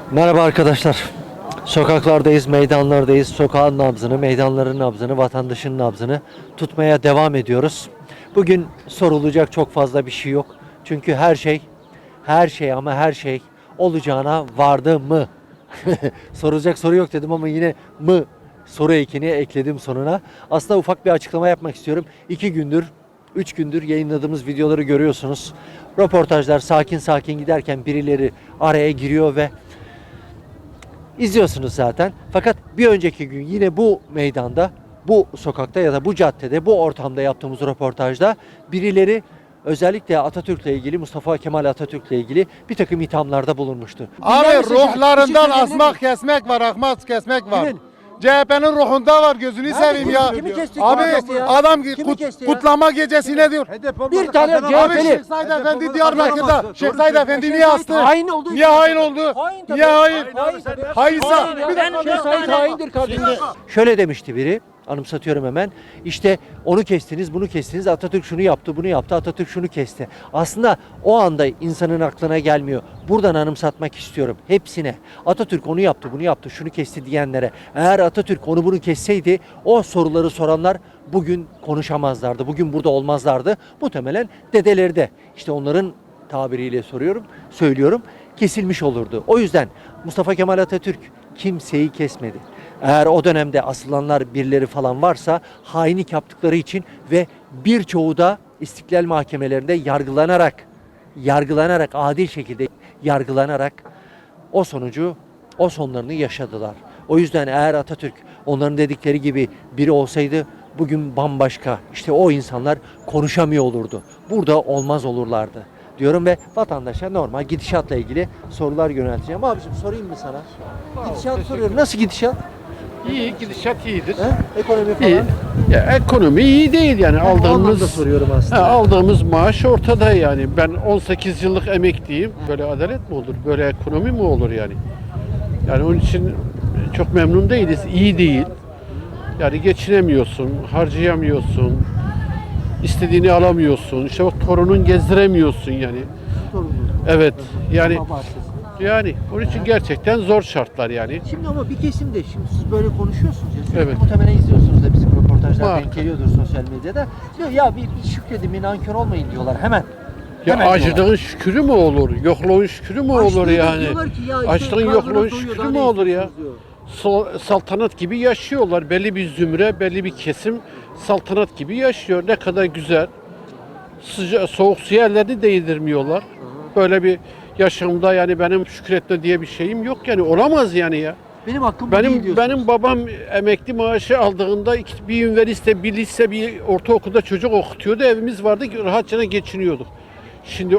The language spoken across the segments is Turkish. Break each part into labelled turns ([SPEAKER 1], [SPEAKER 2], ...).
[SPEAKER 1] Merhaba arkadaşlar. Sokaklardayız, meydanlardayız. Sokağın nabzını, meydanların nabzını, vatandaşın nabzını tutmaya devam ediyoruz. Bugün sorulacak çok fazla bir şey yok. Çünkü her şey olacağına vardı mı? Sorulacak soru yok dedim ama yine mı soru ekini ekledim sonuna. Aslında ufak bir açıklama yapmak istiyorum. 2 gündür, 3 gündür yayınladığımız videoları görüyorsunuz. Röportajlar sakin sakin giderken birileri araya giriyor ve İzliyorsunuz zaten. Fakat bir önceki gün yine bu meydanda, bu sokakta ya da bu caddede, bu ortamda yaptığımız röportajda birileri özellikle Atatürk'le ilgili, Mustafa Kemal Atatürk'le ilgili bir takım ithamlarda bulunmuştu.
[SPEAKER 2] Abi
[SPEAKER 1] Dinler misiniz? Bir şey
[SPEAKER 2] ruhlarından
[SPEAKER 1] söyleyebilir
[SPEAKER 2] asmak
[SPEAKER 1] miyim?
[SPEAKER 2] kesmek var, ahmak kesmek var.
[SPEAKER 1] Kimin?
[SPEAKER 2] CHP'nin ruhunda var, gözünü seveyim ya.
[SPEAKER 1] Kimi kesti?
[SPEAKER 2] Abi
[SPEAKER 1] Kimi kesti ya?
[SPEAKER 2] adam
[SPEAKER 1] Kimi kesti ya?
[SPEAKER 2] kutlama gecesi ne diyor?
[SPEAKER 1] Bir tane
[SPEAKER 2] Abi
[SPEAKER 1] CHP'li.
[SPEAKER 2] Şeyh Said Efendi Diyarbakır'da. Şeyh Said Efendi niye astı?
[SPEAKER 1] Hain oldu.
[SPEAKER 2] Niye hain oldu?
[SPEAKER 1] Hain tabii.
[SPEAKER 2] Niye hain?
[SPEAKER 1] Hain tabii.
[SPEAKER 2] Hainsa.
[SPEAKER 1] Hain ya.
[SPEAKER 2] Bir dakika.
[SPEAKER 1] Şeyh Said haindir kardeşim. Şöyle demişti biri. Anımsatıyorum hemen. İşte onu kestiniz, bunu kestiniz. Atatürk şunu yaptı, bunu yaptı. Atatürk şunu kesti. Aslında o anda insanın aklına gelmiyor. Buradan anımsatmak istiyorum hepsine. Atatürk onu yaptı, bunu yaptı, şunu kesti diyenlere. Eğer Atatürk onu bunu kesseydi o soruları soranlar bugün konuşamazlardı. Bugün burada olmazlardı. Muhtemelen dedeleri de işte onların tabiriyle söylüyorum, kesilmiş olurdu. O yüzden Mustafa Kemal Atatürk kimseyi kesmedi. Eğer o dönemde asılanlar birileri falan varsa hainlik yaptıkları için ve birçoğu da istiklal mahkemelerinde yargılanarak adil şekilde yargılanarak o sonlarını yaşadılar. O yüzden eğer Atatürk onların dedikleri gibi biri olsaydı bugün bambaşka işte o insanlar konuşamıyor olurdu. Burada olmaz olurlardı diyorum ve vatandaşa normal gidişatla ilgili sorular yönelteceğim. Abicim sorayım mı sana? Gidişat soruyorum. Nasıl gidişat?
[SPEAKER 3] İyi, gidişat iyidir.
[SPEAKER 1] Ekonomi falan.
[SPEAKER 3] İyi. Ya ekonomi iyi değil yani
[SPEAKER 1] O anlamda
[SPEAKER 3] aldığımız
[SPEAKER 1] soruyorum aslında.
[SPEAKER 3] aldığımız maaş ortada yani. Ben 18 yıllık emekliyim. Böyle adalet mi olur? Böyle ekonomi mi olur yani? Yani onun için çok memnun değiliz. İyi değil. Yani geçinemiyorsun, harcayamıyorsun. İstediğini alamıyorsun. İşte o torunun gezdiremiyorsun yani. Evet. Yani onun için gerçekten zor şartlar yani.
[SPEAKER 1] Şimdi ama bir kesim de şimdi siz böyle konuşuyorsunuz ya. Sürekli
[SPEAKER 3] Evet.
[SPEAKER 1] muhtemelen izliyorsunuz da bizim röportajlar
[SPEAKER 3] Var.
[SPEAKER 1] denk geliyordur sosyal medyada. Diyor ya bir şükredin, bir nankör olmayın diyorlar hemen.
[SPEAKER 3] Ya
[SPEAKER 1] Hemen
[SPEAKER 3] acılığın
[SPEAKER 1] diyorlar.
[SPEAKER 3] şükrü mü olur? Yokluğun şükrü mü olur
[SPEAKER 1] Açlığı da
[SPEAKER 3] yani?
[SPEAKER 1] diyorlar ki ya işte
[SPEAKER 3] Açlığın
[SPEAKER 1] karnınız
[SPEAKER 3] yokluğun
[SPEAKER 1] doyuyor,
[SPEAKER 3] şükrü
[SPEAKER 1] daha
[SPEAKER 3] mü
[SPEAKER 1] ne
[SPEAKER 3] olur ya?
[SPEAKER 1] istiyorsunuz diyor.
[SPEAKER 3] Saltanat gibi yaşıyorlar. Belli bir zümre, belli bir kesim saltanat gibi yaşıyor. Ne kadar güzel. Soğuk su yerlerini değdirmiyorlar. Böyle bir yaşamda yani benim şükretme diye bir şeyim yok yani olamaz yani ya.
[SPEAKER 1] Benim hakkım bu değil diyorsunuz.
[SPEAKER 3] Benim babam emekli maaşı aldığında bir üniversite, bir lise, bir ortaokulda çocuk okutuyordu. Evimiz vardı, rahatça geçiniyorduk. Şimdi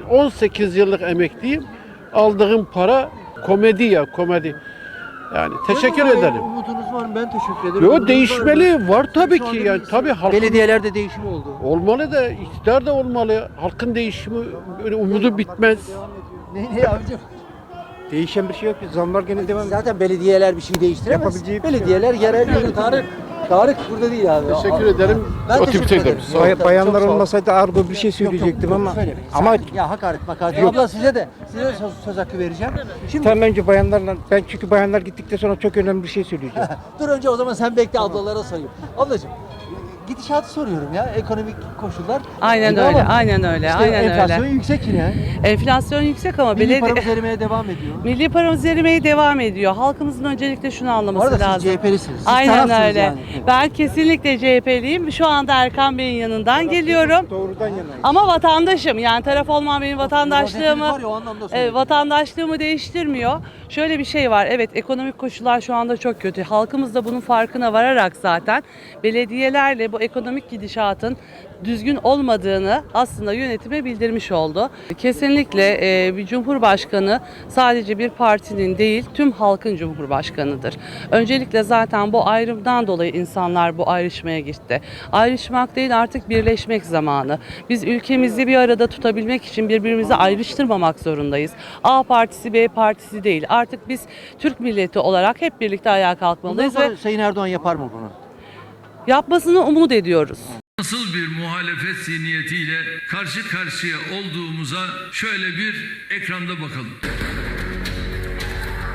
[SPEAKER 3] 18 yıllık emekliyim. Aldığım para komedi ya, komedi. Yani teşekkür
[SPEAKER 1] Var ya,
[SPEAKER 3] ederim.
[SPEAKER 1] Umudunuz var mı? Ben teşekkür ederim.
[SPEAKER 3] Yo
[SPEAKER 1] Umudunuz
[SPEAKER 3] değişmeli, var tabii
[SPEAKER 1] Şu anda
[SPEAKER 3] ki yani
[SPEAKER 1] bir-
[SPEAKER 3] tabii halkın
[SPEAKER 1] Belediyelerde değişim oldu.
[SPEAKER 3] olmalı da iktidar da olmalı. Halkın değişimi böyle umudu bitmez.
[SPEAKER 1] Ne abicim?
[SPEAKER 4] Değişen bir şey yok. Zamlar gene devam ediyor.
[SPEAKER 1] Zaten belediyeler bir şey değiştiremez.
[SPEAKER 4] Yapabileceği bir şey
[SPEAKER 1] Belediyeler yerel yönetim. Tarık burada değil abi.
[SPEAKER 3] Teşekkür ederim.
[SPEAKER 1] Ben
[SPEAKER 3] O
[SPEAKER 1] teşekkür
[SPEAKER 3] tip
[SPEAKER 1] ederim.
[SPEAKER 3] Sağ olun.
[SPEAKER 4] Bayanlar
[SPEAKER 1] Çok sağ ol.
[SPEAKER 4] olmasaydı argo bir şey söyleyecektim ama ama
[SPEAKER 1] Ya hakaret makaret. Abla size de söz hakkı vereceğim. Şimdi
[SPEAKER 4] tam önce bayanlarla ben çünkü bayanlar gittikten sonra çok önemli bir şey söyleyeceğim.
[SPEAKER 1] dur önce o zaman sen bekle ablalara sorayım. Ablacığım gidişatı soruyorum ya ekonomik koşullar.
[SPEAKER 5] Aynen
[SPEAKER 1] İyi
[SPEAKER 5] öyle,
[SPEAKER 1] ama
[SPEAKER 5] aynen öyle,
[SPEAKER 1] işte
[SPEAKER 5] aynen
[SPEAKER 1] enflasyon
[SPEAKER 5] öyle.
[SPEAKER 1] yüksek yine.
[SPEAKER 5] Enflasyon yüksek ama
[SPEAKER 1] Milli
[SPEAKER 5] belediye...
[SPEAKER 1] paramız erimeye devam ediyor.
[SPEAKER 5] Milli paramız erimeye devam ediyor. Halkımızın öncelikle şunu
[SPEAKER 1] Bu
[SPEAKER 5] anlaması
[SPEAKER 1] arada
[SPEAKER 5] lazım.
[SPEAKER 1] siz CHP'lisiniz. Siz
[SPEAKER 5] Aynen
[SPEAKER 1] tarafsınız
[SPEAKER 5] öyle.
[SPEAKER 1] yani.
[SPEAKER 5] Ben kesinlikle CHP'liyim. Şu anda Erkan Bey'in yanından geliyorum.
[SPEAKER 4] Doğrudan yanayım.
[SPEAKER 5] Ama vatandaşım. Yani taraf olmam benim
[SPEAKER 1] Vatandaşlığımı
[SPEAKER 5] vatandaşlığımı
[SPEAKER 1] var ya, o anlamda söylüyorum.
[SPEAKER 5] vatandaşlığımı değiştirmiyor. Şöyle bir şey var. Evet, ekonomik koşullar şu anda çok kötü. Halkımız da bunun farkına vararak zaten belediyelerle bu ekonomik gidişatın düzgün olmadığını aslında yönetime bildirmiş oldu. Kesinlikle bir cumhurbaşkanı sadece bir partinin değil, tüm halkın cumhurbaşkanıdır. Öncelikle zaten bu ayrımdan dolayı insanlar bu ayrışmaya gitti. Ayrışmak değil, artık birleşmek zamanı. Biz ülkemizi bir arada tutabilmek için birbirimizi ayrıştırmamak zorundayız. A partisi, B partisi değil. Artık biz Türk milleti olarak hep birlikte ayağa
[SPEAKER 1] Bundan
[SPEAKER 5] kalkmalıyız
[SPEAKER 1] sonra
[SPEAKER 5] ve
[SPEAKER 1] Sayın Erdoğan yapar mı bunu?
[SPEAKER 5] yapmasını umut ediyoruz.
[SPEAKER 6] Nasıl bir muhalefet zihniyetiyle karşı karşıya olduğumuza şöyle bir ekranda bakalım.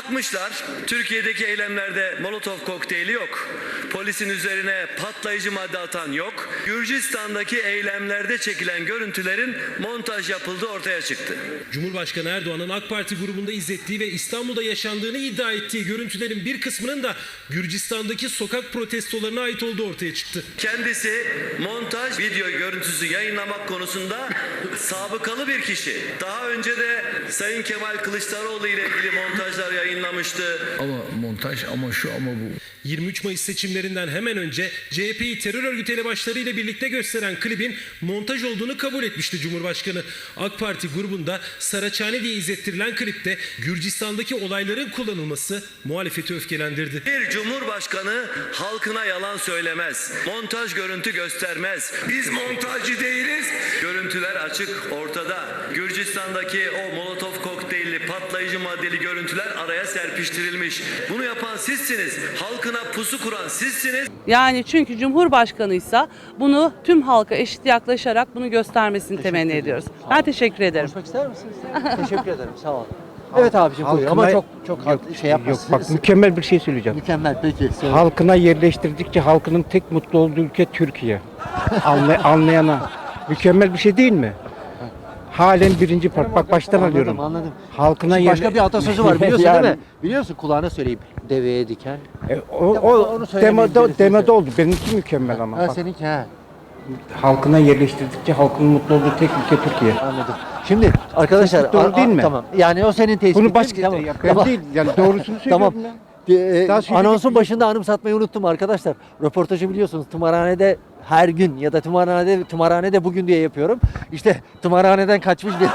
[SPEAKER 7] Bakmışlar, Türkiye'deki eylemlerde Molotov kokteyli yok. Polisin üzerine patlayıcı madde atan yok. Gürcistan'daki eylemlerde çekilen görüntülerin montaj yapıldığı ortaya çıktı.
[SPEAKER 8] Cumhurbaşkanı Erdoğan'ın AK Parti grubunda izlettiği ve İstanbul'da yaşandığını iddia ettiği görüntülerin bir kısmının da Gürcistan'daki sokak protestolarına ait olduğu ortaya çıktı.
[SPEAKER 7] Kendisi montaj video görüntüsü yayınlamak konusunda sabıkalı bir kişi. Daha önce de Sayın Kemal Kılıçdaroğlu ile ilgili montajlar yayınlamıştı.
[SPEAKER 6] Ama montaj ama şu ama bu.
[SPEAKER 8] 23 Mayıs seçimlerinden hemen önce CHP'yi terör örgütü elebaşlarıyla birlikte gösteren klibin montaj olduğunu kabul etmişti Cumhurbaşkanı. AK Parti grubunda Saraçhane diye izlettirilen klipte Gürcistan'daki olayların kullanılması muhalefeti öfkelendirdi.
[SPEAKER 7] Bir cumhurbaşkanı halkına yalan söylemez. Montaj görüntü göstermez. Biz montajcı değiliz. Görüntüler açık ortada. Gürcistan'daki o Molotov kokteylli patlayıcı maddeli görüntüler araya serpiştirilmiş. Bunu yapan sizsiniz. Halkına pusu kuran sizsiniz.
[SPEAKER 5] Yani çünkü Cumhurbaşkanıysa bunu tüm halka eşit yaklaşarak bunu göstermesini temenni ediyoruz. Ben teşekkür ederim.
[SPEAKER 1] Konuşmak ister misiniz? Teşekkür ederim. Sağ olun. Evet abicim buyur ama çok şey
[SPEAKER 4] Yok
[SPEAKER 1] yapmasın.
[SPEAKER 4] bak mükemmel bir şey söyleyeceğim.
[SPEAKER 1] Mükemmel peki. Söyle.
[SPEAKER 4] Halkına yerleştirdikçe halkının tek mutlu olduğu ülke Türkiye. Anlayana. Mükemmel bir şey değil mi? Halen birinci part. Bak baştan alıyorum.
[SPEAKER 1] Anladım.
[SPEAKER 4] Halkına
[SPEAKER 1] Şimdi başka bir atasözü var biliyorsun
[SPEAKER 4] Yani,
[SPEAKER 1] değil mi? Biliyorsun kulağına söyleyeyim. Deveye diken.
[SPEAKER 4] O
[SPEAKER 1] onu söylemeyin birisi.
[SPEAKER 4] demede oldu. Benimki mükemmel ama.
[SPEAKER 1] Ha
[SPEAKER 4] Bak,
[SPEAKER 1] seninki ha.
[SPEAKER 4] halkına yerleştirdikçe halkının mutlu olduğu tek ülke Türkiye.
[SPEAKER 1] Anladım. Şimdi arkadaşlar
[SPEAKER 4] Tespit doğru değil mi?
[SPEAKER 1] Tamam. Yani o senin tespitin.
[SPEAKER 4] Bunu başka
[SPEAKER 1] Tamam.
[SPEAKER 4] ben
[SPEAKER 1] Tamam.
[SPEAKER 4] değil. Yani doğrusunu
[SPEAKER 1] Tamam.
[SPEAKER 4] söylüyorum ya. Daha söyleyecek
[SPEAKER 1] Anonsun
[SPEAKER 4] bir-
[SPEAKER 1] başında anımsatmayı unuttum arkadaşlar. Röportajı biliyorsunuz tımarhanede her gün ya da tımarhanede bugün diye yapıyorum. İşte tımarhaneden kaçmış bir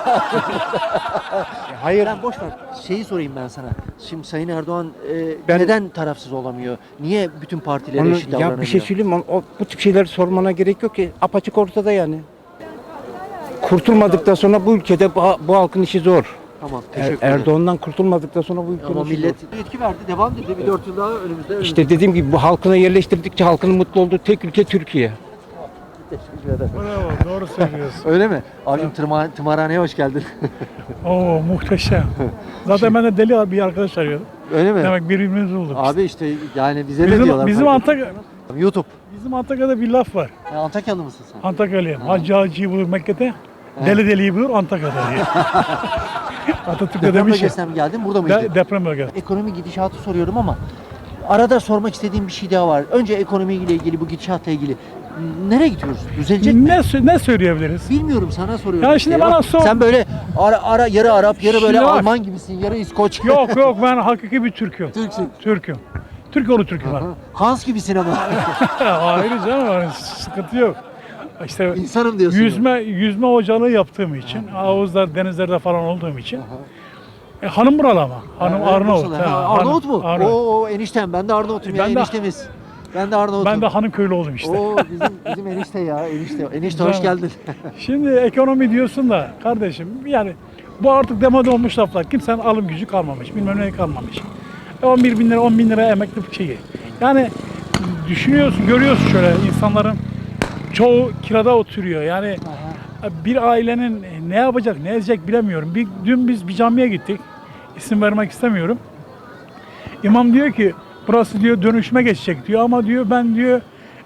[SPEAKER 4] Hayır.
[SPEAKER 1] Ben boş ver. Şeyi sorayım ben sana. Şimdi Sayın Erdoğan
[SPEAKER 4] Ben-
[SPEAKER 1] neden tarafsız olamıyor? Niye bütün partilere
[SPEAKER 4] Onu,
[SPEAKER 1] eşit davranamıyor?
[SPEAKER 4] ya bir şey söyleyeyim mi? Bu tip şeyler sormana gerek yok ki. Apaçık ortada yani. Kurtulmadıktan sonra bu ülkede bu halkın işi zor.
[SPEAKER 1] Tamam, teşekkür ederim.
[SPEAKER 4] Erdoğan'dan kurtulmadıkla sonra bu ülkenin
[SPEAKER 1] Ama
[SPEAKER 4] işi
[SPEAKER 1] millet
[SPEAKER 4] zor.
[SPEAKER 1] yetki verdi, devam dedi. Bir 4 yıl daha önümüzde.
[SPEAKER 4] İşte dediğim gibi bu halkına yerleştirdikçe halkının mutlu olduğu tek ülke Türkiye.
[SPEAKER 1] Teşekkür ederim.
[SPEAKER 9] Bravo, doğru söylüyorsun.
[SPEAKER 1] Öyle mi? Abicim tımarhaneye hoş geldin.
[SPEAKER 9] Oo, muhteşem. Zaten ben de deli bir arkadaş arıyordum.
[SPEAKER 1] Öyle mi?
[SPEAKER 9] Demek birbirimizi bulduk.
[SPEAKER 1] Abi işte yani bize de diyorlar.
[SPEAKER 9] Bizim
[SPEAKER 1] fark ettim. YouTube.
[SPEAKER 9] Bizim Antakya'da bir laf var.
[SPEAKER 1] Ya Antakyalı mısın sen?
[SPEAKER 9] Antakyalıyım. Hacı Hacı'yı bulur Mekke'de, deli deliyi bulur Antakya'da diye. Atatürk'e
[SPEAKER 1] Deprem
[SPEAKER 9] demiş ya.
[SPEAKER 1] bölgesinden mi geldin? Burada mıydın?
[SPEAKER 9] Deprem bölgesi.
[SPEAKER 1] Ekonomi gidişatı soruyorum ama arada sormak istediğim bir şey daha var. Önce ekonomiyle ilgili, bu gidişatla ilgili. Nereye gidiyoruz? Düzelecek mi?
[SPEAKER 9] Ne söyleyebiliriz?
[SPEAKER 1] Bilmiyorum, sana soruyorum.
[SPEAKER 9] Ya
[SPEAKER 1] işte.
[SPEAKER 9] şimdi bana sor.
[SPEAKER 1] Sen böyle yarı Arap, yarı böyle
[SPEAKER 9] Şimdi bak.
[SPEAKER 1] Alman gibisin, yarı İskoç.
[SPEAKER 9] Yok ben hakiki bir Türk'üm.
[SPEAKER 1] Türksün.
[SPEAKER 9] Türk'üm. Türk oğlu Türk'üm ben.
[SPEAKER 1] Aha. Hans gibisin ama.
[SPEAKER 9] Hayır canım, sıkıntı yok. İşte
[SPEAKER 1] İnsanım diyorsun.
[SPEAKER 9] yüzme hocalığı yaptığım için, havuzlar, denizlerde falan olduğum için. Hanım buralı ama. Hanım Arnavut.
[SPEAKER 1] Bursa'da. Ha, Arnavut mu?
[SPEAKER 9] Arnavut.
[SPEAKER 1] Oo eniştem. Ben de Arnavut'um ya.
[SPEAKER 9] Ben de-
[SPEAKER 1] Eniştemiz. Ben de Arnavut'um.
[SPEAKER 9] Ben de hanım köylü oldum işte.
[SPEAKER 1] Oo bizim enişte ya. Enişte hoş
[SPEAKER 9] Güzel.
[SPEAKER 1] geldin.
[SPEAKER 9] Şimdi ekonomi diyorsun da kardeşim yani bu artık demode olmuş laflar. Kimsenin alım gücü kalmamış. Bilmem ne kalmamış. 11 bin lira 10 bin lira emekli şeyi. Yani düşünüyorsun görüyorsun şöyle insanların çoğu kirada oturuyor. Yani bir ailenin ne yapacak ne edecek bilemiyorum. Dün biz bir camiye gittik. İsim vermek istemiyorum. İmam diyor ki burası diyor dönüşüme geçecek diyor ama diyor ben diyor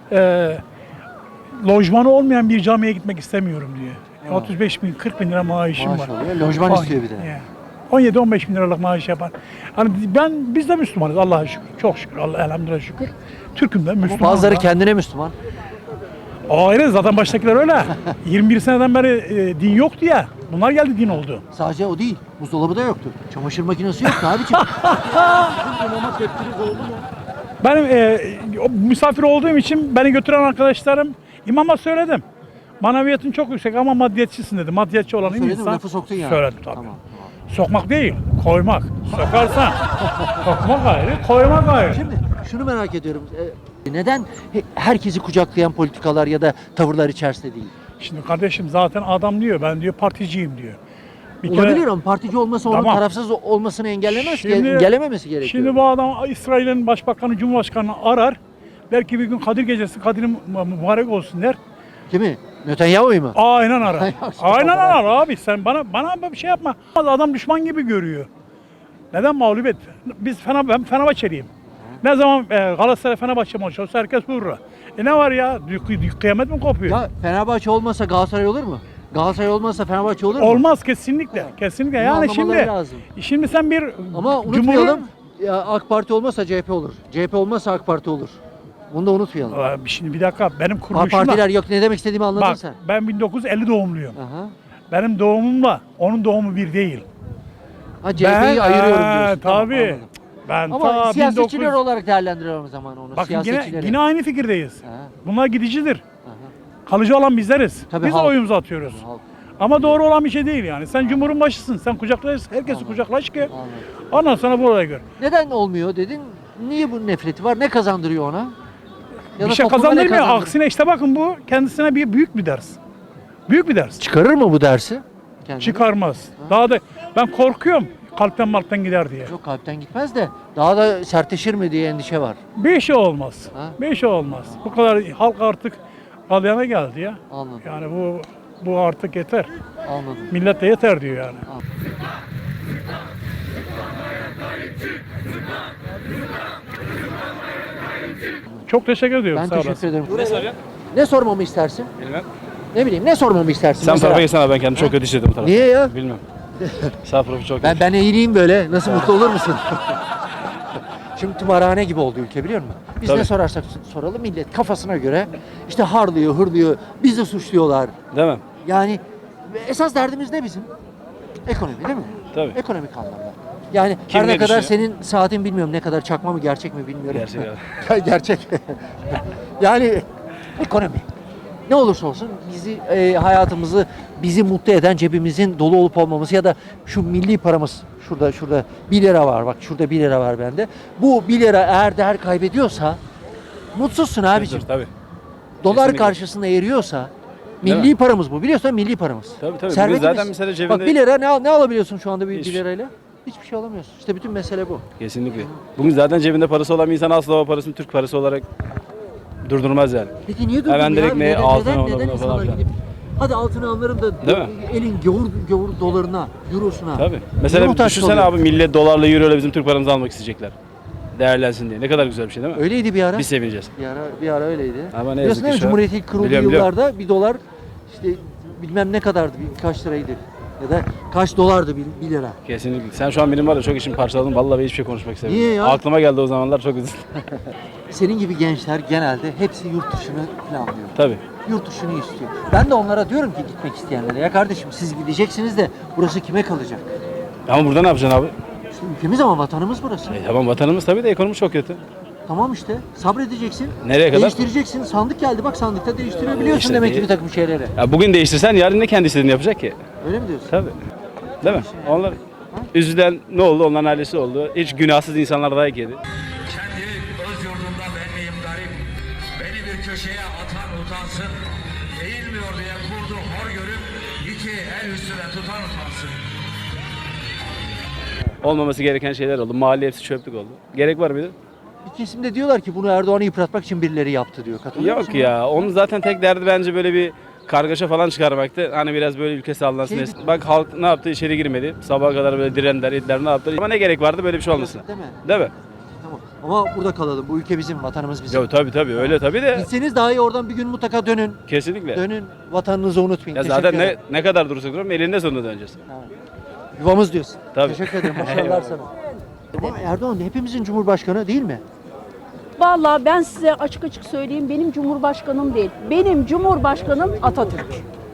[SPEAKER 9] lojmanı olmayan bir camiye gitmek istemiyorum diyor. 35 bin 40 bin lira maaşım var.
[SPEAKER 1] Maşallah. Lojman istiyor bir de.
[SPEAKER 9] 17-15 bin liralık maaş yapan. Hani biz de Müslümanız Allah'a şükür. Çok şükür. Allah elhamdülillah şükür. Türk'üm de Müslümanım.
[SPEAKER 1] Bazıları
[SPEAKER 9] da.
[SPEAKER 1] kendine Müslüman.
[SPEAKER 9] Ayrı zaten baştakiler öyle. 21 seneden beri din yoktu ya. Bunlar geldi din oldu.
[SPEAKER 1] Sadece o değil. Buzdolabı da yoktu. Çamaşır makinesi yoktu abiciğim.
[SPEAKER 9] Benim misafir olduğum için beni götüren arkadaşlarım imama söyledim. Maneviyatın çok yüksek ama maddiyetçisin dedi. Maddiyetçi olan
[SPEAKER 1] Söyledin mi?
[SPEAKER 9] insan.
[SPEAKER 1] Lafı soktun yani.
[SPEAKER 9] Söyledim tabii.
[SPEAKER 1] Tamam.
[SPEAKER 9] Sokmak değil, koymak. Sokarsan sokmak ayrı, koymak ayrı.
[SPEAKER 1] Şimdi şunu merak ediyorum. Neden herkesi kucaklayan politikalar ya da tavırlar içerisinde değil?
[SPEAKER 9] Şimdi kardeşim zaten adam diyor ben diyor particiyim diyor. Bir kere-
[SPEAKER 1] Olabilir ama partici olması onun
[SPEAKER 9] Tamam.
[SPEAKER 1] tarafsız olmasını engellemez ki.
[SPEAKER 9] Şimdi-
[SPEAKER 1] Engellememesi gerekiyor.
[SPEAKER 9] Şimdi bu adam İsrail'in başbakanı, cumhurbaşkanını arar. Belki bir gün Kadir Gecesi, Kadir'in mübarek olsun der.
[SPEAKER 1] Kimi? Netanyahu'yu mu?
[SPEAKER 9] Aynen arar.
[SPEAKER 1] Yok,
[SPEAKER 9] Aynen arar abi sen bana bir şey yapma. Adam düşman gibi görüyor. Neden mağlubiyet? Ben Fenerbahçeliyim. Ne zaman Galatasaray Fenerbahçe maçı olsa herkes vurur. Ne var ya? Kıyamet mi kopuyor?
[SPEAKER 1] Ya Fenerbahçe olmasa Galatasaray olur mu? Galatasaray olmasa Fenerbahçe olur mu?
[SPEAKER 9] Olmaz kesinlikle. Kesinlikle.
[SPEAKER 1] Bunu
[SPEAKER 9] Yani
[SPEAKER 1] anlamaları lazım.
[SPEAKER 9] şimdi sen bir
[SPEAKER 1] Ama unutmayalım, ya AK Parti olmasa CHP olur. CHP olmasa AK Parti olur. Bunu da unutmayalım.
[SPEAKER 9] Şimdi bir dakika benim
[SPEAKER 1] Ha,
[SPEAKER 9] kuruluşumla
[SPEAKER 1] partiler yok, ne demek istediğimi anladın
[SPEAKER 9] bak
[SPEAKER 1] sen.
[SPEAKER 9] ben 1950 doğumluyum.
[SPEAKER 1] Aha.
[SPEAKER 9] Benim doğumumla onun doğumu bir değil.
[SPEAKER 1] Ha, CHP'yi ayırıyorum diyorsun. Tamam,
[SPEAKER 9] Tabii.
[SPEAKER 1] anladım.
[SPEAKER 9] Ben
[SPEAKER 1] Ama
[SPEAKER 9] ta
[SPEAKER 1] siyasetçiler
[SPEAKER 9] 1900
[SPEAKER 1] olarak değerlendiriyorum o zaman onu.
[SPEAKER 9] Bakın
[SPEAKER 1] Siyasetçileri.
[SPEAKER 9] yine aynı fikirdeyiz.
[SPEAKER 1] Ha,
[SPEAKER 9] Bunlar gidicidir.
[SPEAKER 1] aha.
[SPEAKER 9] Kalıcı olan bizleriz.
[SPEAKER 1] Tabii
[SPEAKER 9] Biz
[SPEAKER 1] halk.
[SPEAKER 9] oyumuzu atıyoruz.
[SPEAKER 1] Halk.
[SPEAKER 9] Ama doğru olan bir şey değil yani. Sen cumhurun başısın. Sen kucaklaş, herkesi
[SPEAKER 1] Anladım.
[SPEAKER 9] kucaklaş ki
[SPEAKER 1] Anladım.
[SPEAKER 9] ondan sonra bu olaya gör.
[SPEAKER 1] Neden olmuyor dedin? Niye bu nefreti var? Ne kazandırıyor ona? Ya
[SPEAKER 9] Bir
[SPEAKER 1] da
[SPEAKER 9] şey
[SPEAKER 1] topluma ne
[SPEAKER 9] kazandırmıyor.
[SPEAKER 1] kazandırıyor?
[SPEAKER 9] Aksine işte bakın bu kendisine büyük bir ders. Büyük bir ders.
[SPEAKER 1] Çıkarır mı bu dersi? Kendine?
[SPEAKER 9] Çıkarmaz. Daha da ben korkuyorum kalpten gider diye.
[SPEAKER 1] Yok, kalpten gitmez de daha da sertleşir mi diye endişe var.
[SPEAKER 9] Bir şey olmaz.
[SPEAKER 1] Ha?
[SPEAKER 9] Bir şey olmaz. Bu kadar halk artık galyana geldi ya.
[SPEAKER 1] Anladım.
[SPEAKER 9] Yani bu artık yeter.
[SPEAKER 1] Anladım.
[SPEAKER 9] Millet de yeter diyor yani. Çok teşekkür ediyorum.
[SPEAKER 1] Ben
[SPEAKER 9] sağ
[SPEAKER 1] teşekkür
[SPEAKER 9] olasın.
[SPEAKER 1] ederim. Ne sormamı istersin?
[SPEAKER 10] Bilmem.
[SPEAKER 1] Ne bileyim, ne sormamı istersin?
[SPEAKER 10] Sen
[SPEAKER 1] mesela?
[SPEAKER 10] tarafa geçsene abi, ben kendimi çok kötü hissettim bu tarafa.
[SPEAKER 1] Niye ya?
[SPEAKER 10] Bilmem. Sağ profil çok kötü.
[SPEAKER 1] Ben eğileyim böyle. Nasıl, mutlu olur musun? Şimdi tımarhane gibi oldu ülke, biliyor musun? Biz
[SPEAKER 10] Tabii.
[SPEAKER 1] ne sorarsak soralım, millet kafasına göre işte harlıyor, hırlıyor, bizi suçluyorlar.
[SPEAKER 10] Değil mi?
[SPEAKER 1] Yani esas derdimiz ne bizim? Ekonomi, değil mi?
[SPEAKER 10] Tabii.
[SPEAKER 1] Ekonomik anlamda. Yani
[SPEAKER 10] Kim
[SPEAKER 1] her ne
[SPEAKER 10] ne
[SPEAKER 1] kadar
[SPEAKER 10] düşünüyor?
[SPEAKER 1] senin saatin bilmiyorum ne kadar çakma mı gerçek mi bilmiyorum.
[SPEAKER 10] Gerçek abi.
[SPEAKER 1] Gerçek. Yani ekonomi. Ne olursa olsun bizi hayatımızı bizi mutlu eden cebimizin dolu olup olmaması ya da şu milli paramız şurada 1 lira var, bak şurada 1 lira var bende. Bu 1 lira eğer değer kaybediyorsa mutsuzsun abicim.
[SPEAKER 10] Tabii.
[SPEAKER 1] Dolar
[SPEAKER 10] Kesinlikle.
[SPEAKER 1] karşısında eriyorsa
[SPEAKER 10] Değil
[SPEAKER 1] milli paramız bu. Biliyorsun, milli paramız.
[SPEAKER 10] Tabii tabii.
[SPEAKER 1] Servetimiz.
[SPEAKER 10] Bugün zaten mesela cebinde...
[SPEAKER 1] Bak 1 lira ne alabiliyorsun şu anda bir
[SPEAKER 10] Hiç.
[SPEAKER 1] lirayla? Hiçbir şey alamıyorsun. İşte bütün mesele bu.
[SPEAKER 10] Kesinlikle. Bugün zaten cebinde parası olan bir insan asla o parasını Türk parası olarak durdurmaz yani.
[SPEAKER 1] Peki niye durdun
[SPEAKER 10] Hemen
[SPEAKER 1] ya?
[SPEAKER 10] direkt neye altına ona buna
[SPEAKER 1] insanlar
[SPEAKER 10] falan filan.
[SPEAKER 1] gidip hadi altını alırım da
[SPEAKER 10] Değil mi?
[SPEAKER 1] elin gavur dolarına, eurosuna.
[SPEAKER 10] Tabii.
[SPEAKER 1] Niye
[SPEAKER 10] Mesela
[SPEAKER 1] muhtaç
[SPEAKER 10] düşünsene
[SPEAKER 1] oluyor?
[SPEAKER 10] abi, millet dolarla euroyla bizim Türk paramızı almak isteyecekler. Değerlensin diye. Ne kadar güzel bir şey değil mi?
[SPEAKER 1] Öyleydi bir ara.
[SPEAKER 10] Biz sevineceğiz.
[SPEAKER 1] Bir ara öyleydi.
[SPEAKER 10] Ama ne
[SPEAKER 1] Biliyorsun
[SPEAKER 10] yazık
[SPEAKER 1] değil
[SPEAKER 10] ki
[SPEAKER 1] mi?
[SPEAKER 10] şu an-
[SPEAKER 1] Cumhuriyet ilk kurulduğu
[SPEAKER 10] Biliyorum.
[SPEAKER 1] yıllarda bir dolar işte bilmem ne kadardı, kaç liraydı ya da kaç dolardı 1 lira.
[SPEAKER 10] Kesinlikle. Sen şu an benim var ya çok işimi parçaladın. Vallahi ben hiçbir şey konuşmak istemiyorum.
[SPEAKER 1] Niye ya?
[SPEAKER 10] Aklıma geldi o zamanlar, çok üzüldüm.
[SPEAKER 1] Senin gibi gençler genelde hepsi yurt dışını planlıyor.
[SPEAKER 10] Tabii.
[SPEAKER 1] Yurt dışını istiyor. Ben de onlara diyorum ki gitmek isteyenlere, ya kardeşim siz gideceksiniz de burası kime kalacak?
[SPEAKER 10] Ama burada ne yapacaksın abi?
[SPEAKER 1] İşte ülkemiz ama vatanımız burası.
[SPEAKER 10] Tamam, vatanımız tabii de ekonomi çok kötü.
[SPEAKER 1] Tamam işte, sabredeceksin.
[SPEAKER 10] Nereye kadar?
[SPEAKER 1] Değiştireceksin. Sandık geldi, bak sandıkta değiştirebiliyorsun
[SPEAKER 10] İşte
[SPEAKER 1] demek ki
[SPEAKER 10] değil.
[SPEAKER 1] bir takım şeyleri.
[SPEAKER 10] Ya bugün değiştirsen yarın ne kendi istediğini yapacak ki?
[SPEAKER 1] Öyle mi diyorsun?
[SPEAKER 10] Tabii. Değil mi? Onlar üzülen ne oldu? Onların ailesi oldu. Hiç günahsız insanlar dayak yedi.
[SPEAKER 7] Kendi öz yurdumda ben miyim garip? Beni bir köşeye atan utansın. Eğilmiyor diye kurdu hor görüp iki el üstüne tutan utansın.
[SPEAKER 10] Olmaması gereken şeyler oldu. Mahalle hepsi çöplük oldu. Gerek var mıydı?
[SPEAKER 1] Bir kesimde diyorlar ki bunu Erdoğan'ı yıpratmak için birileri yaptı diyor. Katılıyor musun?
[SPEAKER 10] Yok ya. Onun zaten tek derdi bence böyle bir kargaşa falan çıkarmaktı. Hani biraz böyle ülke sallansın.
[SPEAKER 1] Şey-
[SPEAKER 10] Bak halk ne yaptı? İçeri girmedi. Sabaha kadar böyle direndiler, ettiler, ne yaptılar? Ama ne gerek vardı böyle bir şey olmasına?
[SPEAKER 1] Değil mi?
[SPEAKER 10] Değil mi?
[SPEAKER 1] Tamam. Ama burada kalalım. Bu ülke bizim, vatanımız bizim.
[SPEAKER 10] Yok tabii öyle tabii de.
[SPEAKER 1] Gitseniz daha iyi, oradan bir gün mutlaka dönün.
[SPEAKER 10] Kesinlikle.
[SPEAKER 1] Dönün, vatanınızı unutmayın.
[SPEAKER 10] Ya
[SPEAKER 1] Teşekkür
[SPEAKER 10] zaten
[SPEAKER 1] ederim.
[SPEAKER 10] ne kadar durursak duralım elinde sonunda döneceğiz.
[SPEAKER 1] Yuvamız diyorsun.
[SPEAKER 10] Tabii.
[SPEAKER 1] Teşekkür ederim. Başarılar sana. Ama Erdoğan hepimizin cumhurbaşkanı değil mi?
[SPEAKER 11] Vallahi ben size açık açık söyleyeyim, benim cumhurbaşkanım değil. Benim cumhurbaşkanım Atatürk.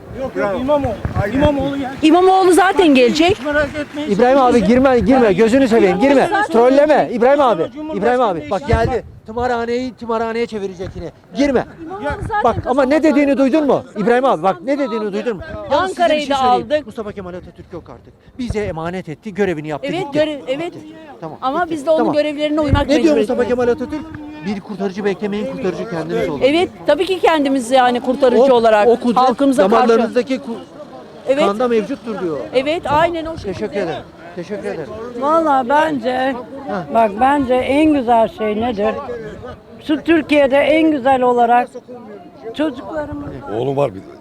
[SPEAKER 11] İmamoğlu zaten gelecek.
[SPEAKER 1] İbrahim abi girme gözünü seveyim girme. Trolleme İbrahim abi bak geldi. Tımarhaneye çevirecek yine. Girme. Bak ama ne dediğini duydun mu? İbrahim abi bak ne dediğini duydun mu? Yalnız size bir
[SPEAKER 11] Ankara'yı da
[SPEAKER 1] söyleyeyim.
[SPEAKER 11] aldık.
[SPEAKER 1] Mustafa Kemal Atatürk yok artık. Bize emanet etti, görevini yaptı
[SPEAKER 11] Evet,
[SPEAKER 1] gitti.
[SPEAKER 11] evet.
[SPEAKER 1] Tamam.
[SPEAKER 11] Ama
[SPEAKER 1] bitti.
[SPEAKER 11] biz de onun
[SPEAKER 1] Tamam.
[SPEAKER 11] görevlerine uymak
[SPEAKER 1] Ne diyor
[SPEAKER 11] mecburiyetindeyiz.
[SPEAKER 1] Mustafa Kemal Atatürk? Bir kurtarıcı beklemeyin, kurtarıcı kendiniz olun.
[SPEAKER 11] Evet, tabii ki kendimiz yani kurtarıcı olarak
[SPEAKER 1] o kudret
[SPEAKER 11] halkımıza karşı.
[SPEAKER 1] damarlarınızdaki
[SPEAKER 11] Evet.
[SPEAKER 1] kanda mevcuttur diyor.
[SPEAKER 11] Evet, aynen o şekilde.
[SPEAKER 1] Teşekkür ederim. Teşekkür ederim.
[SPEAKER 12] Valla bence en güzel şey nedir? Şu Türkiye'de en güzel olarak çocuklarımız
[SPEAKER 13] Oğlum var bir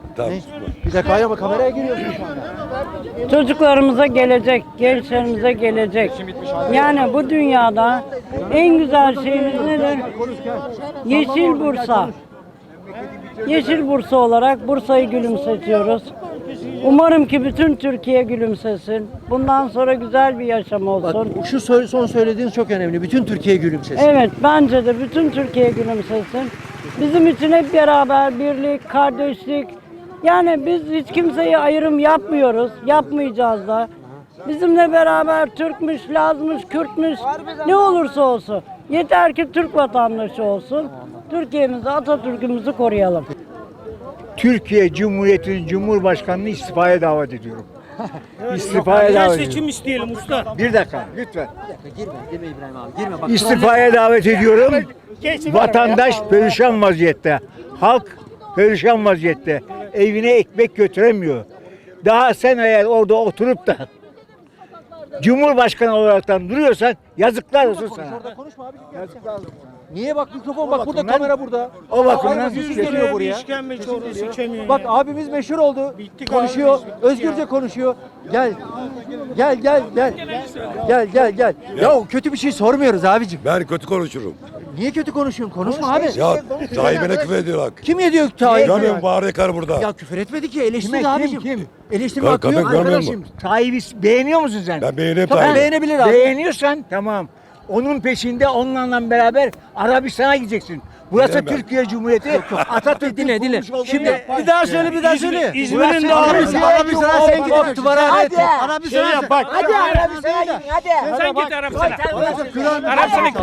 [SPEAKER 13] Tamam.
[SPEAKER 1] Ne? Bir dakika ama kameraya giriyorsun şu anda.
[SPEAKER 12] Çocuklarımıza gelecek, gençlerimize gelecek. Yani bu dünyada en güzel şeyimiz nedir? Yeşil Bursa. Yeşil Bursa olarak Bursa'yı gülümsetiyoruz. Umarım ki bütün Türkiye gülümsesin. Bundan sonra güzel bir yaşam olsun.
[SPEAKER 1] Bak şu son söylediğiniz çok önemli. Bütün Türkiye gülümsesin.
[SPEAKER 12] Evet, bence de bütün Türkiye gülümsesin. Bizim için hep beraber birlik, kardeşlik. Yani biz hiç kimseye ayrım yapmıyoruz, yapmayacağız da. Bizimle beraber Türkmüş, Lazmış, Kürtmüş, ne olursa olsun. Yeter ki Türk vatandaşı olsun. Türkiye'mizi, Atatürk'ümüzü koruyalım.
[SPEAKER 14] Türkiye Cumhuriyeti'nin Cumhurbaşkanı'nı istifaya davet ediyorum. İstifaya davet ediyorum.
[SPEAKER 9] Seçim isteyelim usta.
[SPEAKER 14] Bir dakika lütfen.
[SPEAKER 1] Girme İbrahim abi. Girme bak.
[SPEAKER 14] İstifaya davet ediyorum. Vatandaş perişan vaziyette. Halk perişan vaziyette. Evine ekmek götüremiyor. Daha sen eğer orada oturup da Cumhurbaşkanı olaraktan duruyorsan yazıklar olsun sana.
[SPEAKER 1] Orada konuşma abi. Niye bak mikrofon bak burada kamera burada.
[SPEAKER 14] O bakımdan
[SPEAKER 1] Aynen, sesi geliyor buraya. Sesi geliyor. Bak abimiz meşhur oldu. Konuşuyor. Özgürce konuşuyor. Gel. Gel. Gel. Ya kötü bir şey sormuyoruz abicim.
[SPEAKER 13] Ben kötü konuşurum.
[SPEAKER 1] Niye kötü konuşuyorsun? Konuşma abi.
[SPEAKER 13] Ya sahibine küfür ediyorlar.
[SPEAKER 1] Kim ediyor Tayyip?
[SPEAKER 13] Görmüyor bağır yakar burada.
[SPEAKER 1] Ya küfür etmedi ki eleştirdi
[SPEAKER 14] Kime,
[SPEAKER 1] abicim.
[SPEAKER 14] kim?
[SPEAKER 1] Eleştirme
[SPEAKER 13] Bak,
[SPEAKER 1] hakkı yok.
[SPEAKER 13] görmüyor
[SPEAKER 1] Arkadaşım.
[SPEAKER 13] musun?
[SPEAKER 14] Tayyip'i beğeniyor musun sen?
[SPEAKER 13] Ben beğeniyorum
[SPEAKER 1] Tamam
[SPEAKER 13] Tayyip'i.
[SPEAKER 1] beğenebilir abi.
[SPEAKER 14] Beğeniyorsan tamam. Onun peşinde onunla beraber Arabistan'a gideceksin. Burası
[SPEAKER 13] Bilemem.
[SPEAKER 14] Türkiye Cumhuriyeti. Atatürk
[SPEAKER 1] Dinle. Şimdi
[SPEAKER 14] bir daha söyle, bir daha söyle.
[SPEAKER 1] İzmir'in de Arabistan'a sen gidip duvara et.
[SPEAKER 14] Arabistan'a bak.
[SPEAKER 11] Hadi Arabistan'a gidin hadi.
[SPEAKER 9] Sen git Arabistan'a. Arabistan'a git.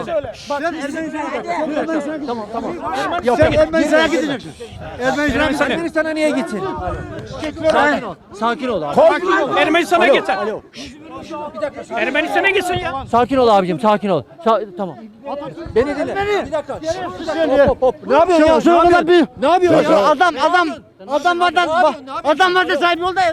[SPEAKER 1] Tamam. Yok Ermenistan'a gideceksin. Ermenistan'a niye gitsin? Sakin ol abi.
[SPEAKER 9] Ermenistan'a git sen.
[SPEAKER 1] Alo.
[SPEAKER 9] Ermenistan'a gitsin ya.
[SPEAKER 1] Sakin ol abicim, sakin ol. Tamam. Beni dinle. Bir dakika. Hop. Ne yapıyorsun ya? Ne yapıyorsun ya?
[SPEAKER 14] Adam var da sahibi ol da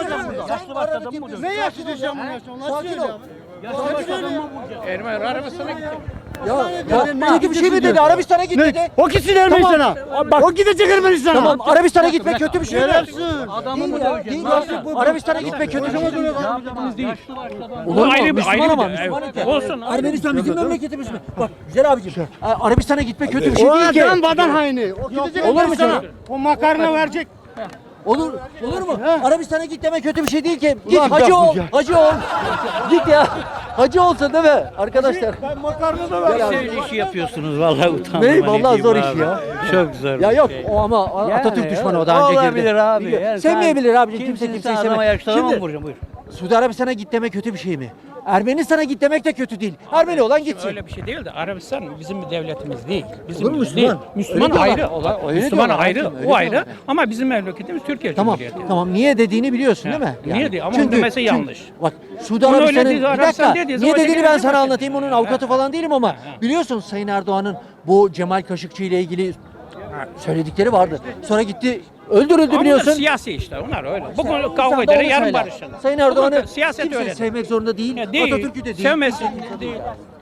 [SPEAKER 1] Ne yaşayacağım bunu? Sakin ol.
[SPEAKER 9] Arabistan'a git.
[SPEAKER 1] Ya bir şey mi dedi? Arabistan'a git dedi.
[SPEAKER 14] O gitsin Ermenistan'a. Bak. O gidecek Ermenistan'a.
[SPEAKER 1] Tamam, Arabistan'a gitmek kötü bir şey mi? Adamı değil ya. Arabistan'a gitmek kötü bir şey değil. Olur mu? Müslüman ama Müslüman ülke.
[SPEAKER 9] Olsun.
[SPEAKER 1] Ermenistan bizim memleketimiz mi? Bak güzel abicim. Arabistan'a gitmek kötü bir şey değil ki.
[SPEAKER 14] vatan haini. O gidecek
[SPEAKER 1] Olur mu canım?
[SPEAKER 14] O makarna verecek.
[SPEAKER 1] Olur mu? Arabistan'a git demek kötü bir şey değil ki. Git hacı ol. Git ya. Hacı olsa değil mi arkadaşlar?
[SPEAKER 14] Ben makarna da vereceğim.
[SPEAKER 10] işi yapıyorsunuz vallahi utandım.
[SPEAKER 1] Ne? Vallahi zor iş ya.
[SPEAKER 10] Çok zor.
[SPEAKER 1] Ya yok o ama Atatürk düşmanı o daha önce girdi.
[SPEAKER 10] Olabilir abi.
[SPEAKER 1] Biliyor.
[SPEAKER 10] Yani
[SPEAKER 1] Sevmeyebilir abicim kimse kimseyi
[SPEAKER 10] adama
[SPEAKER 1] sevmez.
[SPEAKER 10] yakıştıramam
[SPEAKER 1] Şimdi
[SPEAKER 10] vuracağım buyur.
[SPEAKER 1] Suudi Arabistan'a git demek kötü bir şey mi? Ermenistan'a git demek de kötü değil. Ermeni olan gitsin.
[SPEAKER 9] Öyle bir şey değil de Arabistan bizim bir devletimiz değil. Bizim
[SPEAKER 1] Olur mu
[SPEAKER 9] değil.
[SPEAKER 1] Müslüman?
[SPEAKER 9] Müslüman
[SPEAKER 1] Öyle
[SPEAKER 9] ayrı.
[SPEAKER 1] diyorlar. Öyle
[SPEAKER 9] Müslüman
[SPEAKER 1] diyorlar
[SPEAKER 9] ayrı.
[SPEAKER 1] abicim, öyle
[SPEAKER 9] O ayrı.
[SPEAKER 1] diyorlar.
[SPEAKER 9] Ama bizim memleketimiz Türkiye
[SPEAKER 1] Tamam,
[SPEAKER 9] Cumhuriyeti.
[SPEAKER 1] tamam. Niye dediğini biliyorsun değil mi?
[SPEAKER 9] Niye diyor? Ama onun demesi yanlış.
[SPEAKER 1] Bak Suudi
[SPEAKER 9] Onu öyle
[SPEAKER 1] Arabistan'ın
[SPEAKER 9] dedi,
[SPEAKER 1] bir
[SPEAKER 9] Arabistan
[SPEAKER 1] dakika.
[SPEAKER 9] dediği
[SPEAKER 1] Niye
[SPEAKER 9] zaman
[SPEAKER 1] dediğini
[SPEAKER 9] öyle
[SPEAKER 1] ben
[SPEAKER 9] dedi.
[SPEAKER 1] sana anlatayım. Onun avukatı falan değilim ama biliyorsun Sayın Erdoğan'ın bu Cemal Kaşıkçı ile ilgili söyledikleri vardı. Sonra gitti öldürüldü
[SPEAKER 9] Ama
[SPEAKER 1] biliyorsun.
[SPEAKER 9] bunlar siyasi işte. Onlar öyle. Bugün
[SPEAKER 1] Sen
[SPEAKER 9] kavga
[SPEAKER 1] de
[SPEAKER 9] eder,
[SPEAKER 1] onu
[SPEAKER 9] yarın
[SPEAKER 1] söyle.
[SPEAKER 9] barışırlar.
[SPEAKER 1] Sayın Erdoğan'ı
[SPEAKER 9] siyaset
[SPEAKER 1] kimse
[SPEAKER 9] öyle.
[SPEAKER 1] sevmek zorunda değil.
[SPEAKER 9] Değil.
[SPEAKER 1] Atatürk'ü de değil.
[SPEAKER 9] Sevmesin. Değil.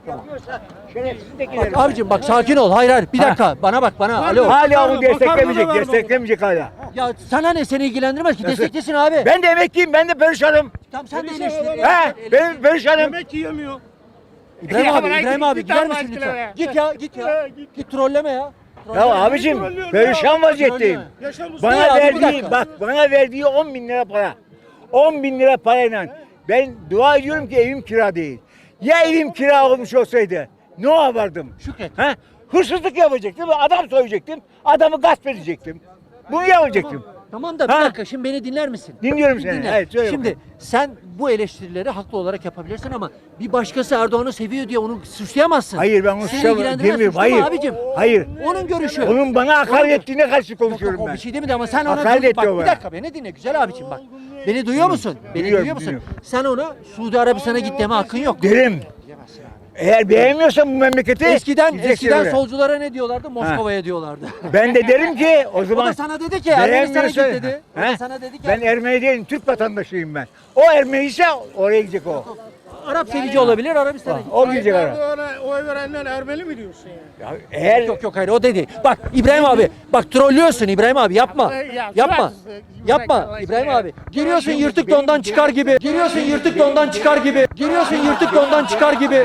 [SPEAKER 1] Bak abicim bak sakin ol. Hayır. Bir dakika. Bana bak bana. Alo.
[SPEAKER 14] Hala onu desteklemeyecek hala.
[SPEAKER 1] Ya sana ne seni ilgilendirmez ki. Desteklesin abi.
[SPEAKER 14] Ben de emekliyim, ben de perişanım.
[SPEAKER 1] Tamam sen de eleştir.
[SPEAKER 14] Benim perişanım.
[SPEAKER 9] Yemek yiyemiyor.
[SPEAKER 1] İbrahim abi gider misin lütfen? Git ya. Git trolleme ya.
[SPEAKER 14] Ya abicim perişan vaziyetteyim. Bana
[SPEAKER 1] Ne abi, bir
[SPEAKER 14] verdiği
[SPEAKER 1] dakika.
[SPEAKER 14] bak bana verdiği 10 bin lira para. 10 bin lira parayla ben dua ediyorum ki evim kira değil. Ya evim kira olmuş olsaydı ne yapardım?
[SPEAKER 1] Şükret.
[SPEAKER 14] Ha? Hırsızlık yapacaktım, adam soyacaktım, adamı gasp edecektim. Bunu yapacaktım.
[SPEAKER 1] Tamam da bir
[SPEAKER 14] Ha?
[SPEAKER 1] dakika şimdi beni dinler misin?
[SPEAKER 14] Dinliyorum
[SPEAKER 1] Bir
[SPEAKER 14] seni.
[SPEAKER 1] dinle.
[SPEAKER 14] Evet, söyle
[SPEAKER 1] Şimdi sen bu eleştirileri haklı olarak yapabilirsin ama bir başkası Erdoğan'ı seviyor diye onu suçlayamazsın.
[SPEAKER 14] Hayır ben onu
[SPEAKER 1] Seni
[SPEAKER 14] suçlamam
[SPEAKER 1] ilgilendirmez,
[SPEAKER 14] demiyorum.
[SPEAKER 1] suçlama
[SPEAKER 14] Hayır.
[SPEAKER 1] abicim.
[SPEAKER 14] Hayır.
[SPEAKER 1] Onun görüşü.
[SPEAKER 14] Onun bana hakaret ettiğine karşı konuşuyorum
[SPEAKER 1] O
[SPEAKER 14] ben.
[SPEAKER 1] bir şey demedi ama sen ona
[SPEAKER 14] Hakaret etti
[SPEAKER 1] bak
[SPEAKER 14] o
[SPEAKER 1] bir
[SPEAKER 14] bana.
[SPEAKER 1] dakika beni dinle güzel abicim bak. Beni duyuyor musun? Beni
[SPEAKER 14] Duyuyorum,
[SPEAKER 1] duyuyor musun?
[SPEAKER 14] duyuyorum.
[SPEAKER 1] Sen ona Suudi Arabistan'a git deme hakkın yok.
[SPEAKER 14] Derim. Eğer beğenmiyorsan bu memleketi
[SPEAKER 1] Eskiden
[SPEAKER 14] oraya.
[SPEAKER 1] solculara ne diyorlardı? Moskova'ya diyorlardı.
[SPEAKER 14] Ben de derim ki o
[SPEAKER 1] O
[SPEAKER 14] zaman
[SPEAKER 1] da sana dedi ki Ermenistan'a git
[SPEAKER 14] beğenmiyorsa-
[SPEAKER 1] dedi. O
[SPEAKER 14] He?
[SPEAKER 1] da sana dedi ki
[SPEAKER 14] Ben Ermeni değilim, Türk vatandaşıyım ben. O Ermeni ise oraya gidecek o.
[SPEAKER 1] Arap sevici olabilir Arabistan'a git.
[SPEAKER 14] O gidecek oraya.
[SPEAKER 2] Erdoğan'a
[SPEAKER 9] oy verenler Ermeni mi diyorsun yani?
[SPEAKER 14] Eğer
[SPEAKER 1] Yok hayır o dedi. Bak İbrahim abi bak trollüyorsun İbrahim abi yapma. Yapma. Yapma İbrahim abi. Giriyorsun yırtık dondan çıkar gibi. Giriyorsun yırtık dondan çıkar gibi. Giriyorsun yırtık dondan çıkar gibi.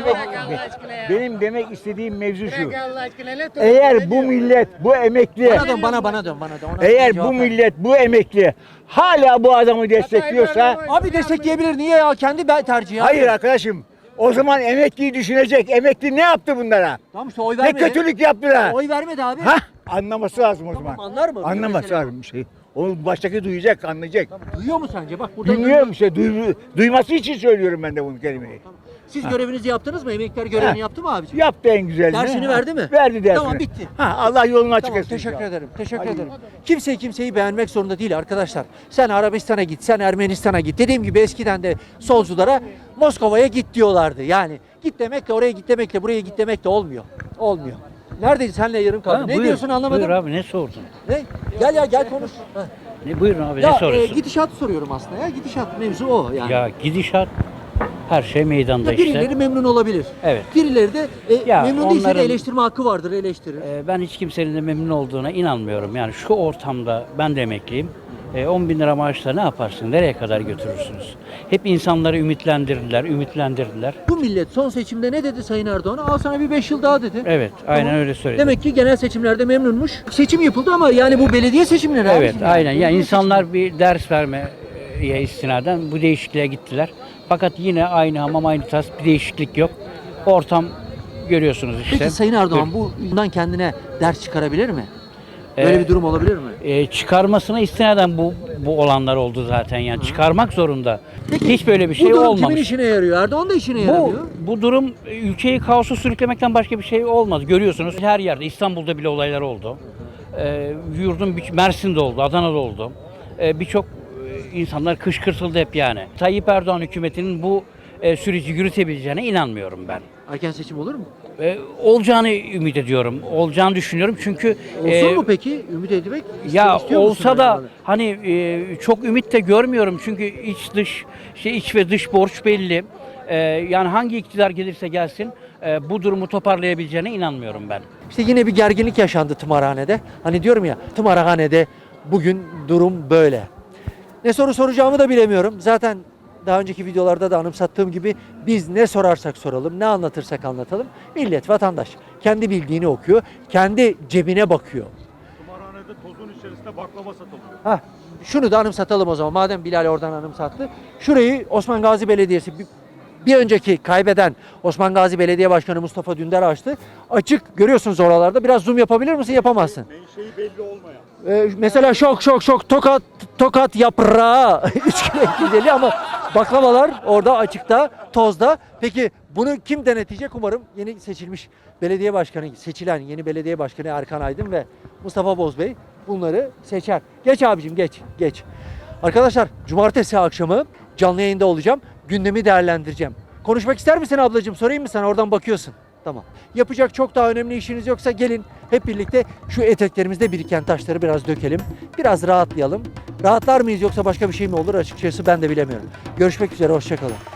[SPEAKER 14] benim demek istediğim mevzu şu. Eğer bu millet, bu emekli,
[SPEAKER 1] Bana dön. Ona
[SPEAKER 14] eğer
[SPEAKER 1] cevap
[SPEAKER 14] bu
[SPEAKER 1] ver.
[SPEAKER 14] millet, bu emekli hala bu adamı destekliyorsa,
[SPEAKER 1] Abi destekleyebilir niye ya kendi tercihi. ya.
[SPEAKER 14] hayır arkadaşım, o zaman emekliyi düşünecek. Emekli ne yaptı bunlara?
[SPEAKER 1] Tamam işte oy
[SPEAKER 14] Ne
[SPEAKER 1] vermedi.
[SPEAKER 14] kötülük yaptılar?
[SPEAKER 1] Oy vermedi abi.
[SPEAKER 14] Hah, anlaması lazım o zaman.
[SPEAKER 1] Anlar mı?
[SPEAKER 14] Anlaması
[SPEAKER 1] Mesela.
[SPEAKER 14] lazım bir şey. O baştaki duyacak, anlayacak.
[SPEAKER 1] Duyuyor mu sence? Bak burada
[SPEAKER 14] Bilmiyorum işte, duyması için söylüyorum ben de bunu kelimeyi.
[SPEAKER 1] Siz görevinizi yaptınız mı? Emekliler görevini yaptı mı abiciğim?
[SPEAKER 14] Yaptı en güzelini.
[SPEAKER 1] Dersini verdi mi?
[SPEAKER 14] Verdi dersini.
[SPEAKER 1] Tamam, bitti.
[SPEAKER 14] Allah yolunu açık
[SPEAKER 1] Tamam,
[SPEAKER 14] etsin.
[SPEAKER 1] teşekkür ederim. Teşekkür ederim. Kimse kimseyi beğenmek zorunda değil arkadaşlar. Sen Arabistan'a git, sen Ermenistan'a git. Dediğim gibi eskiden de solculara Moskova'ya git diyorlardı. Yani git demekle oraya git demekle buraya git demekle olmuyor. Olmuyor. Neredeydin? Senle yarım kaldı. Ne diyorsun anlamadım.
[SPEAKER 4] Buyur abi ne sordun?
[SPEAKER 1] Ne? Gel konuş. Heh.
[SPEAKER 4] Buyurun abi
[SPEAKER 1] Ya
[SPEAKER 4] ne soruyorsun?
[SPEAKER 1] gidişatı soruyorum aslında ya. Gidişat mevzu o yani.
[SPEAKER 4] Ya gidişat her şey meydanda
[SPEAKER 1] Ya birileri memnun olabilir.
[SPEAKER 4] Evet.
[SPEAKER 1] Birileri de
[SPEAKER 4] Ya
[SPEAKER 1] memnun değilse de
[SPEAKER 4] onların-
[SPEAKER 1] eleştirme hakkı vardır, eleştirir.
[SPEAKER 4] Ben hiç kimsenin de memnun olduğuna inanmıyorum. Yani şu ortamda ben de emekliyim. 10 bin lira maaşla ne yaparsın? Nereye kadar götürürsünüz? Hep insanları ümitlendirdiler.
[SPEAKER 1] Bu millet son seçimde ne dedi Sayın Erdoğan'a? Al sana bir 5 yıl daha dedi.
[SPEAKER 4] Evet, aynen
[SPEAKER 1] Tamam.
[SPEAKER 4] öyle söyledi.
[SPEAKER 1] Demek ki genel seçimlerde memnunmuş. Seçim yapıldı ama yani bu belediye seçimleri
[SPEAKER 4] Evet,
[SPEAKER 1] abicim
[SPEAKER 4] aynen.
[SPEAKER 1] yani.
[SPEAKER 4] Yani insanlar bir ders vermeye istinaden bu değişikliğe gittiler. Fakat yine aynı hamam aynı tas, bir değişiklik yok. Ortam görüyorsunuz işte.
[SPEAKER 1] Peki Sayın Erdoğan bundan kendine ders çıkarabilir mi? Böyle bir durum olabilir mi?
[SPEAKER 4] Çıkarmasına istinaden bu olanlar oldu zaten yani. Çıkarmak zorunda. Hiç böyle bir şey
[SPEAKER 1] Bu durum
[SPEAKER 4] olmamış.
[SPEAKER 1] kimin işine yarıyor? Erdoğan da işine yaramıyor.
[SPEAKER 4] Bu durum ülkeyi kaosa sürüklemekten başka bir şey olmaz. Görüyorsunuz her yerde. İstanbul'da bile olaylar oldu. Mersin'de oldu, Adana'da oldu. Birçok insanlar kışkırtıldı hep yani. Tayyip Erdoğan hükümetinin bu süreci yürütebileceğine inanmıyorum ben.
[SPEAKER 1] Erken seçim olur mu?
[SPEAKER 4] Olacağını ümit ediyorum. Olacağını düşünüyorum çünkü
[SPEAKER 1] Olsun mu peki? Ümit etmek
[SPEAKER 4] ya
[SPEAKER 1] istiyor musun
[SPEAKER 4] olsa da
[SPEAKER 1] yani?
[SPEAKER 4] hani çok ümit de görmüyorum çünkü iç ve dış borç belli. Yani hangi iktidar gelirse gelsin bu durumu toparlayabileceğine inanmıyorum ben.
[SPEAKER 1] İşte yine bir gerginlik yaşandı tımarhanede. Hani diyorum ya tımarhanede bugün durum böyle. Ne soru soracağımı da bilemiyorum. Zaten daha önceki videolarda da anımsattığım gibi biz ne sorarsak soralım, ne anlatırsak anlatalım. Millet, vatandaş kendi bildiğini okuyor, kendi cebine bakıyor.
[SPEAKER 2] Kumarhanede tozun içerisinde baklava satılıyor.
[SPEAKER 1] Hah, şunu da anımsatalım o zaman. Madem Bilal oradan anımsattı. Şurayı Osman Gazi Belediyesi bir önceki kaybeden Osman Gazi Belediye Başkanı Mustafa Dündar açtı. Açık görüyorsunuz oralarda. Biraz zoom yapabilir misin? Yapamazsın.
[SPEAKER 2] Menşei belli olmayan.
[SPEAKER 1] Mesela şok tokat yaprağı 3 kilo 250 ama baklavalar orada açıkta, tozda. Peki bunu kim denetleyecek? Umarım yeni seçilmiş belediye başkanı, seçilen yeni belediye başkanı Erkan Aydın ve Mustafa Bozbey bunları seçer. Geç abicim geç. Arkadaşlar cumartesi akşamı canlı yayında olacağım. Gündemi değerlendireceğim. Konuşmak ister misin ablacığım? Sorayım mı sana? Oradan bakıyorsun. Tamam. Yapacak çok daha önemli işiniz yoksa gelin hep birlikte şu eteklerimizde biriken taşları biraz dökelim. Biraz rahatlayalım. Rahatlar mıyız yoksa başka bir şey mi olur açıkçası ben de bilemiyorum. Görüşmek üzere, hoşça kalın.